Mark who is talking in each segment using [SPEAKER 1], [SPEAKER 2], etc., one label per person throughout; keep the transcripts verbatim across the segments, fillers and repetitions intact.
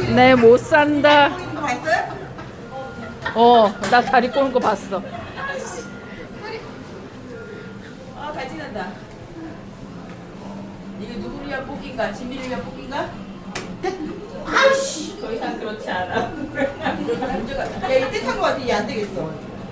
[SPEAKER 1] 내 못 산다.
[SPEAKER 2] 이거 봤어요?
[SPEAKER 1] 어, 나 다리 꼬는 거 봤어.
[SPEAKER 2] 아, 잘 지낸다. 이게 누구를 위한 뽑기인가? 진미를 위한 뽑기인가? 아이씨! 더 이상 그렇지 않아. 문제가. 야, 이때 탄거 같아. 얘 안 되겠어.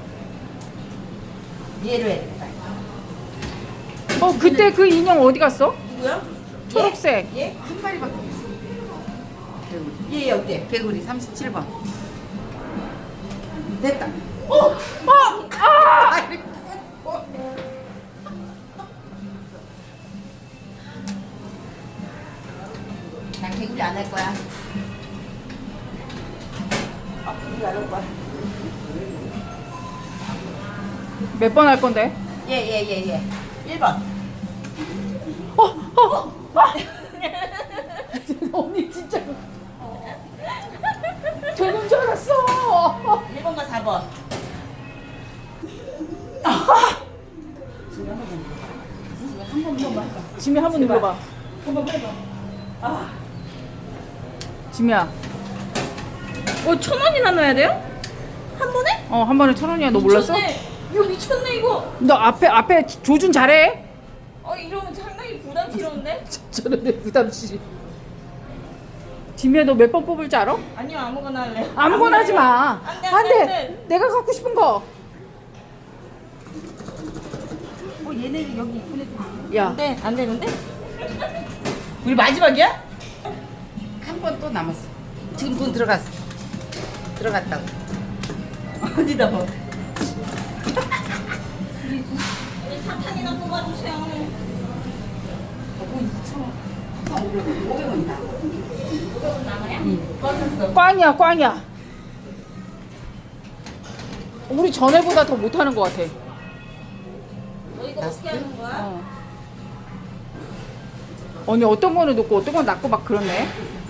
[SPEAKER 2] 얘로 해야 되겠다.
[SPEAKER 1] 어, 그때 그 인형 어디 갔어?
[SPEAKER 2] 누구야?
[SPEAKER 1] 초록색.
[SPEAKER 2] 얘? 얘?
[SPEAKER 3] 한 마리밖에 없어.
[SPEAKER 2] 얘, 얘 어때?
[SPEAKER 3] 개구리 삼십칠 번. 됐다.
[SPEAKER 2] 어! 어! 아! 난 개구리 안 할 거야. 아, 개구리 안 할 거야.
[SPEAKER 1] 몇 번 할 건데?
[SPEAKER 2] 얘, 얘, 얘, 얘. 일 번.
[SPEAKER 1] 어, 어, 아! 언니 진짜 되는 줄 알았어.
[SPEAKER 2] 일 번과 사 번.
[SPEAKER 1] 지미 한 번 눌러봐.
[SPEAKER 2] 한번 해봐. 아,
[SPEAKER 1] 지미야,
[SPEAKER 4] 어, 천 원이나 넣어야 돼요? 한 번에?
[SPEAKER 1] 어, 한 번에 천 원이야. 너 몰랐어?
[SPEAKER 4] 미쳤네. 이거 미쳤네 이거.
[SPEAKER 1] 너 앞에 앞에 조준 잘해.
[SPEAKER 4] 어, 이러면 상당히 부담스러운데?
[SPEAKER 1] 저런데 부담시. 지미야, 너 몇 번 뽑을 줄 알아?
[SPEAKER 4] 아니요, 아무거나 할래.
[SPEAKER 1] 아무거나 하지 마.
[SPEAKER 4] 안 돼,
[SPEAKER 1] 안
[SPEAKER 4] 안 돼, 안
[SPEAKER 1] 돼.
[SPEAKER 4] 돼.
[SPEAKER 1] 내가 갖고 싶은 거.
[SPEAKER 2] 어, 얘네 여기 이쁜 애들.
[SPEAKER 1] 야,
[SPEAKER 4] 안 돼, 안 되는데?
[SPEAKER 2] 우리 마지막이야?
[SPEAKER 3] 한 번 또 남았어. 지금 돈 들어갔어. 들어갔다고.
[SPEAKER 2] 어디다 봐.
[SPEAKER 4] 우리 사탄이나 뽑아주세요.
[SPEAKER 3] 오백 원이다.
[SPEAKER 2] 꺼졌어.
[SPEAKER 1] 꽝이야, 꽝이야. 우리 전에보다 더 못하는 것 같아.
[SPEAKER 4] 너 이거 어떻게 하는 거야?
[SPEAKER 1] 어. 언니 어떤 거는 놓고 어떤 건 놨고 막 그렇네.